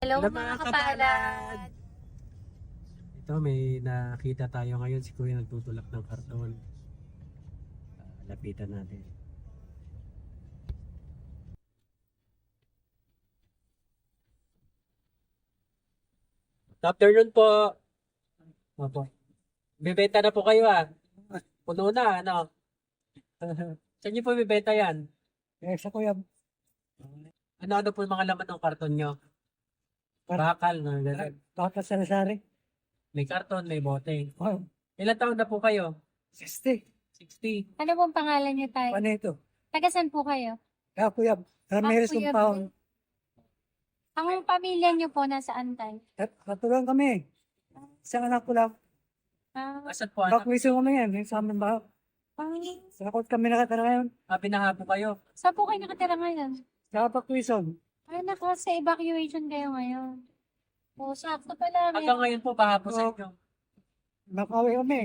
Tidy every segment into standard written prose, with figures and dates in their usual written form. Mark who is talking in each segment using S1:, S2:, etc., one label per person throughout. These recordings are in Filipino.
S1: Hello
S2: Hello,
S1: mga
S2: mga
S1: kapalad!
S2: Ito, may nakita tayo ngayon. Si Kuya nagtutulak ng karton. Lapitan natin. Good afternoon po. Opo. Bibenta na po kayo Puno na, ano? Saan niyo po bibenta yan?
S3: Sa kuya,
S2: Ano po yung mga laman ng karton nyo? Bakal, no? Ganun.
S3: baka sa Lazari.
S2: May karton, may bote.
S3: Oh,
S2: Ilan taon na po kayo?
S3: 60.
S2: 60.
S1: Ano pong pangalan niyo tayo?
S3: Ano ito?
S1: Taga saan po kayo?
S3: Kaya kuya, Ramirez
S1: Kuya
S3: ng paon.
S1: Ang pamilya niyo po nasaan tayo?
S3: Katulong kami. Isang anak ko lang.
S2: Asan po anak?
S3: Bakwiso kami yan. Yung sa amin ba? Sa kot kami nakatara ngayon.
S2: Binaha po kayo.
S1: Saan po kayo nakatira ngayon?
S3: Sa Bakwiso.
S1: Ay, sa evacuation kayo ngayon. O, sakto pala.
S2: Hanggang ngayon po, baha po sa inyo.
S3: Makawi kami.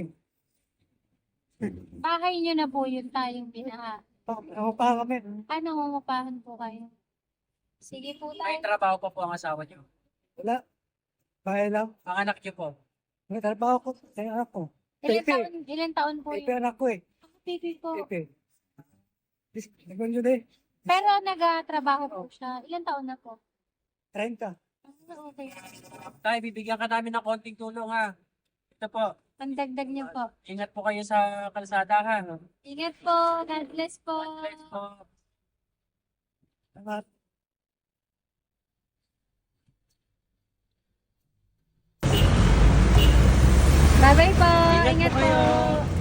S1: Bahay niyo na po yun tayong binaha.
S3: Pangupahan kami.
S1: Nangungupahan po kayo. Sige po
S2: May
S1: tayo.
S2: trabaho pa po ang asawa niyo.
S3: Wala. Bahay lang.
S2: Ang anak niyo po.
S3: May trabaho ko. Sa anak ko.
S1: Ilan taon po
S3: Pepe
S1: yun?
S3: anak ko eh.
S1: Baby po.
S3: Pepe. Nagpunyo din.
S1: Pero nag-trabaho po siya. Ilan taon na po?
S3: 30.
S1: Okay.
S2: Tay, bibigyan ka namin ng konting tulong Ito po.
S1: Pandagdag niyo po.
S2: Ingat po kayo sa kalsada
S1: Ingat po. God bless po.
S2: God bless po.
S3: Salamat.
S1: Bye-bye po.
S2: Ingat po
S1: Ingat po.
S2: kayo.